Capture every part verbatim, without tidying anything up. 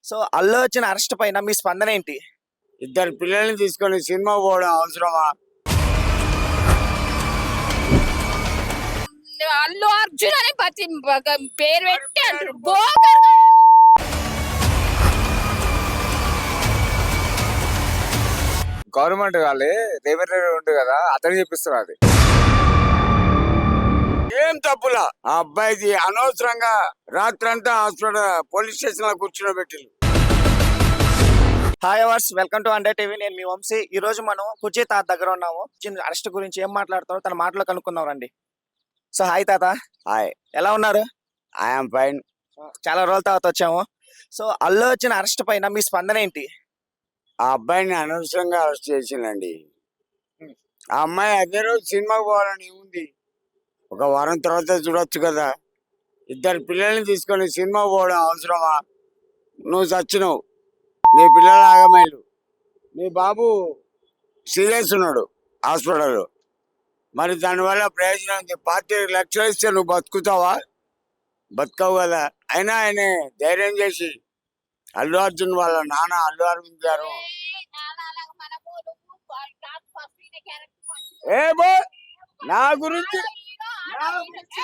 So Allu Arjun arrest పైన మీ స్పందన ఏంటి? ఇద్దరు పిల్లల్ని తీసుకొని సినిమా పోవడం అవసరమా? అల్లు అర్జున్ అని ప్రతి బ- పేరు పెట్టి అంటారు బోకర్ గాడు. గవర్నమెంట్ వాళ్ళే రేవంత్ రెడ్డి ఉంటుంది కదా, అతను చెప్పిస్తారు అది. ఏం తప్పులా ఆ అబ్బాయిది అనవసరంగా రాత్రంతా హాస్పిటల్ పోలీస్ స్టేషన్ లో కూర్చోబెట్టింది. హాయ్ అవర్స్, వెల్కమ్ టు అండర్ టీవీ. నేను మీ వంశీ. ఈ రోజు మనం కుర్చీ తాత దగ్గర ఉన్నాము. అరెస్ట్ గురించి ఏం మాట్లాడతారో తన మాటలో కనుక్కుందాం రండి. సో హాయ్ తాత, హాయ్, ఎలా ఉన్నారు? I'm fine. చాలా రోజుల తర్వాత వచ్చాము. సో అల్లు అర్జున్ అరెస్ట్ పైన మీ స్పందన ఏంటి? ఆ అబ్బాయిని అనవసరంగా అరెస్ట్ చేసిందండి. ఆ అమ్మాయి అదే రోజు సినిమాకి పోవాలని ఉంది. ఒక వారం తర్వాత చూడొచ్చు కదా. ఇద్దరు పిల్లల్ని తీసుకొని సినిమా పోవడం అవసరమా? నువ్వు చచ్చినావు, నీ పిల్లలు ఆగమేలు, నీ బాబు సీరియస్ ఉన్నాడు హాస్పిటల్లో. మరి దానివల్ల ప్రయోజనం ఉంది. పార్టీ లక్షలు ఇస్తే నువ్వు బతుకుతావా? బతుకవు కదా. అయినా ఆయన ధైర్యం చేసి అల్లు అర్జున్ వాళ్ళ నాన్న అల్లు అరవింద్ గారు ఏ బో నా గురించి నా గురించి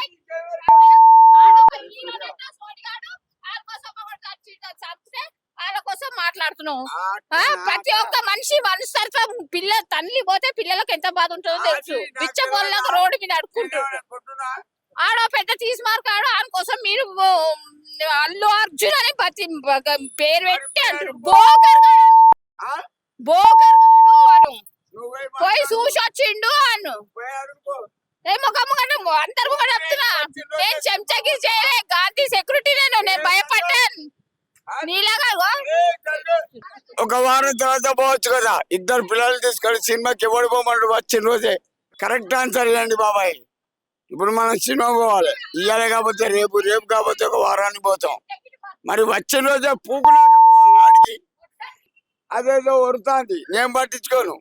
వాళ్ళ కోసం మాట్లాడుతున్నావు. ఆ, ప్రతి ఒక్క మనిషి మనస్తత్వం పిల్ల తల్లి పోతే పిల్లలకు ఎంత బాధ ఉంటుందో తెలుసు. బిచ్చబోళ్ళగా రోడ్డు మీద అడుక్కుంటారు. ఆడో పెద్ద తీసుమార్కాడు ఆయన కోసం మీరు ఓ, అల్లు అర్జున్ అని ప్రతి బ- పేరు పెట్టి అంటారు బోకర్ గాడు. బోకర్ గాడు వాడు పోయి చూసి వచ్చిండు అను ఏమో కమ్మగంట అందరు కూడా చెప్తున్నా. నేను చెంచకి చేయలే, గాంధీ సెక్యూరిటీ నేను నేను భయపడ్డాను నీలాగా. ఒక వారం తర్వాత పోవచ్చు కదా. ఇద్దరు పిల్లలు తీసుకొని సినిమాకి ఎవడు పోమన్నాడు వచ్చిన రోజే. కరెక్ట్ ఆన్సర్ ఇవ్వండి బాబాయ్. ఇప్పుడు మనం సినిమా పోవాలి, ఇయ్యాలి కాకపోతే రేపు, రేపు కాకపోతే ఒక వారానికి పోతాం. మరి వచ్చిన రోజే పూకునాక వాడికి అదేదో వరుతాంది, నేను పట్టించుకోను.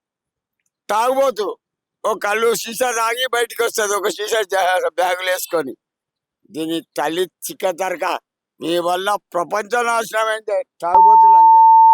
తాగుబోతు ఒక కళ్ళు సీసా తాగి బయటికి వస్తుంది, ఒక సీసా బ్యాగులు వేసుకొని. దీని తల్లి చిక్క తరక. మీ వల్ల ప్రపంచం నాశనమైంది. తాగుబోతులు అంజలా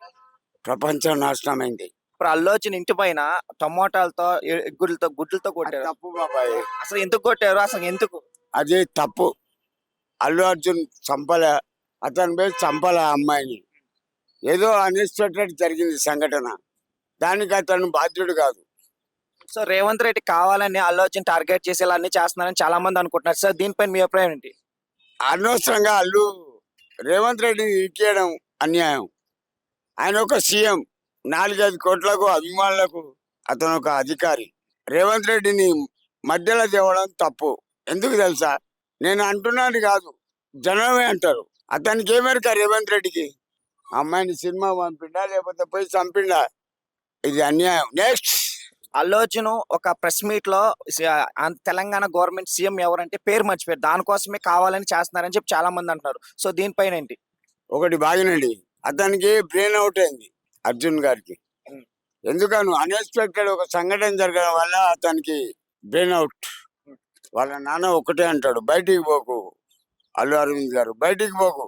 ప్రపంచం నాశనమైంది. ఇప్పుడు అల్లు అర్జున్ ఇంటి పైన టమోటాలతో ఎ- గుడ్లతో గుడ్లతో అది కొట్టారు. తప్పు బాబాయ్, అసలు ఎందుకు కొట్టారు? అసలు ఎందుకు? అది తప్పు. అల్లు అర్జున్ చంపలే, అతని పేరు చంపలే ఆ అమ్మాయిని. ఏదో అన్ఎక్స్పెక్టెడ్ జరిగింది సంఘటన, దానికి అతను బాధ్యుడు కాదు. సో రేవంత్ రెడ్డి కావాలని అల్లు అర్జున్ టార్గెట్ చేసి ఇలా అన్ని చేస్తున్నారని చాలా మంది అనుకుంటున్నారు. సార్ దీనిపైన మీ అభిప్రాయం ఏంటి? అనవసరంగా అల్లు రేవంత్ రెడ్డిని ఇరికేయడం అన్యాయం. ఆయన ఒక సీఎం, నాలుగైదు కోట్లకు అభిమానులకు అతను ఒక అధికారి. రేవంత్ రెడ్డిని మధ్యలో తేవడం తప్పు. ఎందుకు తెలుసా? నేను అంటున్నాను కాదు, జనమే అంటారు. అతనికి ఏమేరక రేవంత్ రెడ్డికి అమ్మాయిని సినిమా పంపిండా లేకపోతే పోయి చంపిండా? ఇది అన్యాయం. నెక్స్ట్, అల్లు అర్జున్ ఒక ప్రెస్ మీట్ లో స- ఆంధ్ర- తెలంగాణ గవర్నమెంట్ సీఎం ఎవరంటే పేరు మర్చిపోయారు. దానికోసమే కావాలని చేస్తున్నారని చెప్పి చాలా మంది అంటున్నారు. సో దీనిపైన ఏంటి? ఒకటి బాగినండి, అతనికి బ్రెయిన్ అవుట్ అయింది అర్జున్ గారికి. ఎందుకను అన్ఎక్స్పెక్టెడ్ ఒక సంఘటన జరగడం వల్ల అతనికి బ్రెయిన్ అవుట్. వాళ్ళ నాన్న ఒకటే అంటాడు, బయటికి పోకు అల్లు అరవింద్ గారు, బయటికి పోకు.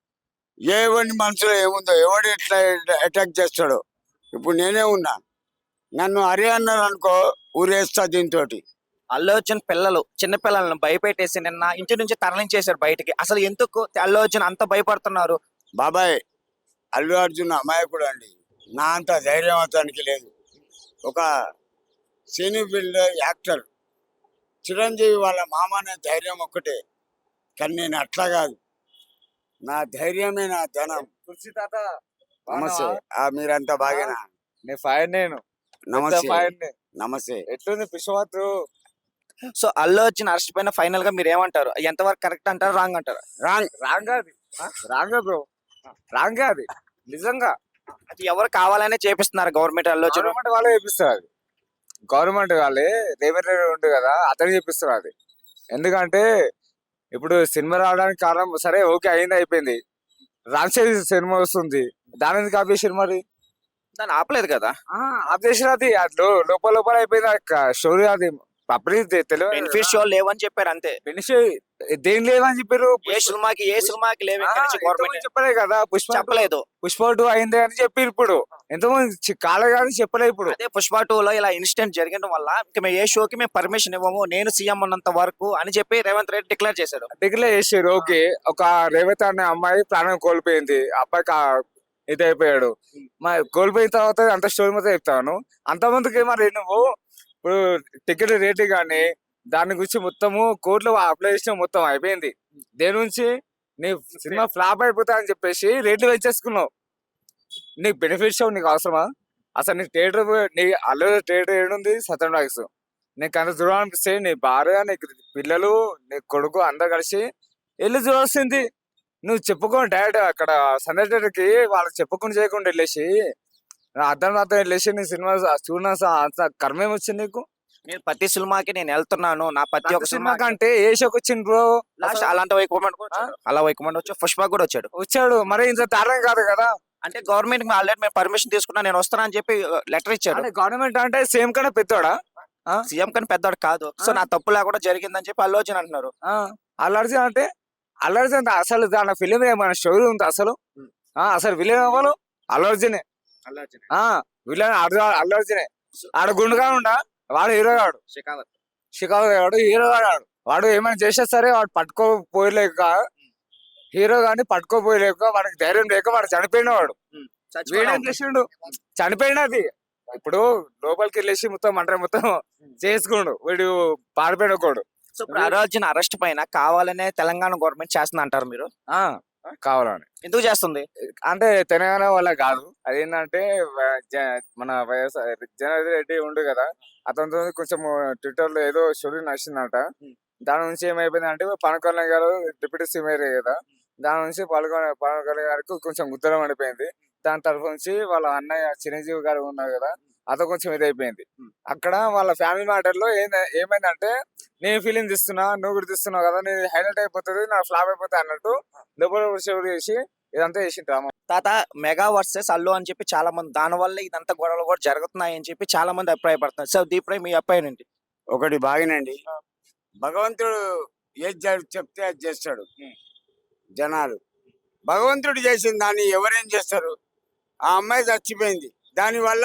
ఎవరి మనసులో ఏముందో, ఎవడు ఎట్లా అటాక్ చేస్తాడో. ఇప్పుడు నేనే ఉన్నా, నన్ను అరే అన్నారు అనుకో, ఊరేస్తా దీంతో. అల్లు అర్జున్ పిల్లలు చిన్న పిల్లలను భయపెట్టేసి నిన్న ఇంటి నుంచి తరలించేశారు బయటికి. అసలు ఎందుకు అల్లు అర్జున్ అంత భయపడుతున్నారు? బాబాయ్, అల్లు అర్జున్ అమాయకుడు అండి. నా అంత ధైర్యం అతనికి లేదు. ఒక సినీ ఫీల్డ్ యాక్టర్ చిరంజీవి వాళ్ళ మామ అనే ధైర్యం ఒక్కటే, కానీ నేను అట్లా కాదు. నా ధైర్యమే నా ధనం. కుర్చీ తాత, నమస్తే. ఆ మీరంతా బాగేనా? నేను ఫైన్, నేను నమస్తే. ఫైన్. నమస్తే. ఎట్లుంది పిషవాతు? సో అల్లు అర్జున్ అరెస్ట్ పైన ఫైనల్ గా మీరు ఏమంటారు? ఎంతవరకు కరెక్ట్ అంటారు, రాంగ్ అంటారు? రాంగ్. రాంగ్ అది, రాంగ్ బ్రో, రాంగ్ అది నిజంగా. అది ఎవరు కావాలనే చేపిస్తున్నారు గవర్నమెంట్ అల్లు అర్జున్? గవర్నమెంట్ వాళ్ళే చెప్పిస్తారు అది. గవర్నమెంట్ వాళ్ళే రేవంత్ రెడ్డి ఉంటుంది కదా, అతను చెప్పిస్తారు అది. ఎందుకంటే ఇప్పుడు సినిమా రావడానికి కారణం సరే ఓకే అయింది, అయిపోయింది. రాన్సేది సినిమా వస్తుంది, దాని ఎందుకు ఆపేసారు మరి? దాన్ని ఆపలేదు కదా. ఆపేసారు అది. అది లో- లోపల లోపల అయిపోయింది స్టోరీ అది. పబ్లిక్ తెలియదు బెనిఫిట్ షో లేవని చెప్పారు అంతే. బెనిఫిట్ దేని లేవని చెప్పారు. ఏ సినిమాకి ఏ సినిమాకి లేవు ఆ, ఇక్కడ నుంచి ఇంతకుముందు గవర్నమెంట్ చెప్పలే కదా పుష్ప చెప్పలేదు. పుష్ప టూ అయింది అని చెప్పి ఇప్పుడు ఎంతమంది కాలే కానీ చెప్పలే ఇప్పుడు. అదే పుష్ప టూ లో ఇలా ఇన్సిడెంట్ జరగడం వల్ల ఇంకా మేము ఏ షోకి మేము పర్మిషన్ ఇవ్వము, నేను సీఎం ఉన్నంత వరకు అని చెప్పి రేవంత్ రెడ్డి డిక్లేర్ చేశాడు. డిగ్లే చేసారు. ఓకే, ఒక రేవతి అనే అమ్మాయి ప్రాణం కోల్పోయింది, అబ్బాయికి ఆ- ఇది అయిపోయాడు. మరి కోల్పోయిన తర్వాత అంత స్టోరీ మొత్తం చెప్తాను. అంతమందికి మరి నువ్వు ఇప్పుడు టికెట్ రేటు కానీ దాని గురించి మొత్తము కోర్టులో అప్లై చేసిన మొత్తం అయిపోయింది. దేని నుంచి నీ సినిమా ఫ్లాప్ అయిపోతా అని చెప్పేసి రేట్లు పెంచేసుకున్నావు. నీకు బెనిఫిట్ షో నీకు అవసరమా? అసలు నీకు థియేటర్ నీ అల్లు థియేటర్ ఏడుంది సత్యం టాకీస్. నీకు అంత దూరం అనిపిస్తే నీ భార్య నీకు పిల్లలు నీ కొడుకు అందరు కలిసి వెళ్ళి చూడాల్సింది. నువ్వు చెప్పుకో డైరెక్ట్ అక్కడ సండే థియేటర్కి వాళ్ళకి చెప్పుకొని చేయకుండా వెళ్ళేసి అర్థం అర్థం వెళ్ళేసి నీ సినిమా చూడ అంత కర్మేం వచ్చింది నీకు. నేను ప్రతి సినిమాకి నేను వెళ్తున్నాను, నా ప్రతి ఒక్క సినిమా సినిమా కంటే ఏ షోకి వచ్చింది బ్రో లాస్ట్ అలాంటి వైకుమండ్ అలా వైకుమండ్ వచ్చి పుష్ప కూడా వచ్చాడు. వచ్చాడు. మరి ఇంత దారుణం కాదు కదా. అంటే గవర్నమెంట్ ఆల్రెడీ మేము పర్మిషన్ తీసుకున్నా నేను వస్తాను అని చెప్పి లెటర్ ఇచ్చాడు. అంటే గవర్నమెంట్ అంటే సేమ్ కన్నా పెద్దోడా? సీఎం కానీ పెద్దవాడు కాదు. సో నా తప్పు లేకుండా జరిగిందని చెప్పి అల్లు అర్జున్ అంటున్నారు. అల్లర్జున్ అంటే అల్లర్జున్ అంటే అసలు దాని ఫిలిం ఏమైనా స్టోరీ ఉంది అసలు? ఆ, అసలు విలన్ అవ్వను అల్లర్జునే. ఆ విలన్ అల్లర్జునే. ఆడ గుండుగా ఉండా వాడు హీరో గాడు, షెకావత్ షికాగో గాడు హీరో గాడు. వాడు ఏమైనా చేసే సరే వాడు పట్టుకోపోయలేక హీరో గాని పట్టుకోపోయలేక వాడికి ధైర్యం లేక వాడు చనిపోయిన వాడు. వీడేం చేసిండు? చనిపోయినది. ఇప్పుడు లోపలికి వెళ్ళేసి మొత్తం మంట మొత్తం చేసుకుండు వీడు పారిపోయిన ఒకడు. సో ఇప్పుడు అల్లు అర్జున్ అరెస్ట్ పైన కావాలనే తెలంగాణ గవర్నమెంట్ చేస్తుంది అంటారు మీరు? ఆ కావాలని ఎందుకు చేస్తుంది? అంటే తెలంగాణ వల్ల కాదు. అదేంటంటే వ- జ- మన వైఎస్ఆర్ జనార్దన్ రెడ్డి ఉండు కదా, అతనితో కొంచెం ట్విట్టర్ లో ఏదో స్టోరీ నచ్చిందంట. దాని నుంచి ఏమైపోయింది అంటే పవన్ కళ్యాణ్ గారు డిప్యూటీ సీఎం అయ్యారు కదా, దాని నుంచి పవన్ కళ్యాణ్ పవన్ కళ్యాణ్ గారికి కొంచెం ఉత్తరం పడిపోయింది. దాని తరఫు నుంచి వాళ్ళ అన్నయ్య చిరంజీవి గారు ఉన్నారు కదా, అతను కొంచెం ఇదైపోయింది. అక్కడ వాళ్ళ ఫ్యామిలీ మ్యాటర్ లో ఏంద ఏమైందంటే నేను ఫీలింగ్ తీస్తున్నా నువ్వు కూడా తీస్తున్నావు కదా, నేను హైలైట్ అయిపోతుంది నా ఫ్లాప్ అయిపోతుంది అన్నట్టు లోపల షోర్ చేసి ఇదంతా చేసి డ్రామా. తాత మెగా వర్సెస్ అల్లు అని చెప్పి చాలా మంది దాని వల్ల ఇదంతా గొడవలు కూడా జరుగుతున్నాయి అని చెప్పి చాలా మంది అభిప్రాయపడుతున్నారు. సో దీనిపై మీ అభిప్రాయం ఏంటి? ఒకటి బాగినండి, భగవంతుడు ఏది జరు- చెప్తే అది చేస్తాడు. జనాలు భగవంతుడు చేసిన దాన్ని ఎవరేం చేస్తారు? ఆ అమ్మాయి చచ్చిపోయింది, దానివల్ల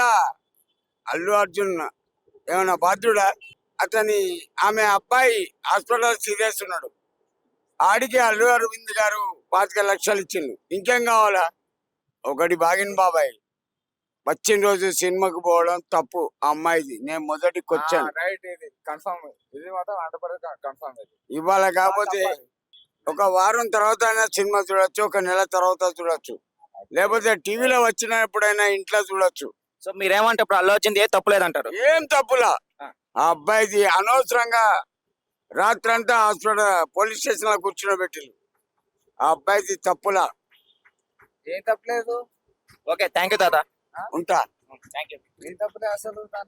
అల్లు అర్జున్ ఏమైనా బాధ్యుడా? అతని ఆమె అబ్బాయి హాస్పిటల్ సీరియస్ ఉన్నాడు, ఆడికి అల్లు అరవింద్ గారు పాతిక లక్షలు ఇచ్చిండు, ఇంకేం కావాలా? ఒకటి బాగిన బాబాయ్, వచ్చిన రోజు సినిమాకి పోవడం తప్పు ఆ అమ్మాయిది. నేను మొదటికి వచ్చాను, రైట్, ఇది కన్ఫర్మ్, ఇది మాత్రం హండ్రెడ్ కన్ఫర్మ్. ఇవాళ కాకపోతే ఒక వారం తర్వాత అయినా సినిమా చూడొచ్చు, ఒక నెల తర్వాత చూడొచ్చు, లేకపోతే టీవీలో వచ్చినప్పుడైనా ఇంట్లో చూడొచ్చు. సో మీరేమంటే ఇప్పుడు అల్లు అర్జున్ ఏ తప్పు లేదంటారు? ఏం తప్పులా? ఆ అబ్బాయిది అనవసరంగా రాత్రంతా హాస్పిటల్ పోలీస్ స్టేషన్ లో కూర్చునబెట్టిండు. ఆ అబ్బాయిది తప్పులా. ఏం తప్పలేదు. ఓకే, థ్యాంక్ యూ తాత. ఉంటా. Thank you. ఏం తప్పలేదు అసలు.